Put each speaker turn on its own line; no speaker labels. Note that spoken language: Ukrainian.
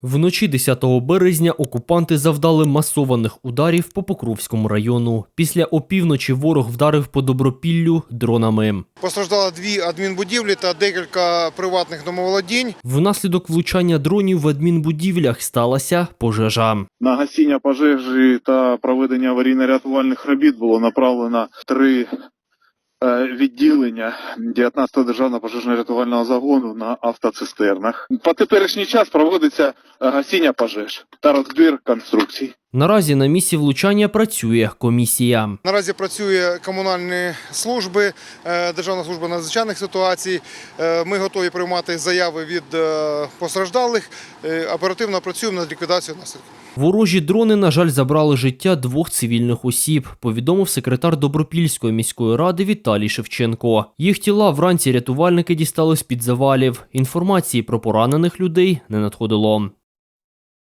Вночі 10 березня окупанти завдали масованих ударів по Покровському району. Після опівночі ворог вдарив по Добропіллю дронами.
Постраждало 2 адмінбудівлі та декілька приватних домоволодінь.
Внаслідок влучання дронів в адмінбудівлях сталася пожежа.
На гасіння пожежі та проведення аварійно-рятувальних робіт було направлено 3 відділення 19-го державного пожежно-рятувального загону на автоцистернах. По теперішній час проводиться гасіння пожеж та розбір конструкцій.
Наразі на місці влучання працює комісія.
Наразі працює комунальні служби, Державна служба надзвичайних ситуацій. Ми готові приймати заяви від постраждалих. Оперативно працюємо над ліквідацією наслідків.
Ворожі дрони, на жаль, забрали життя 2 цивільних осіб, повідомив секретар Добропільської міської ради Віталій Шевченко. Їх тіла вранці рятувальники дістали з-під завалів. Інформації про поранених людей не надходило.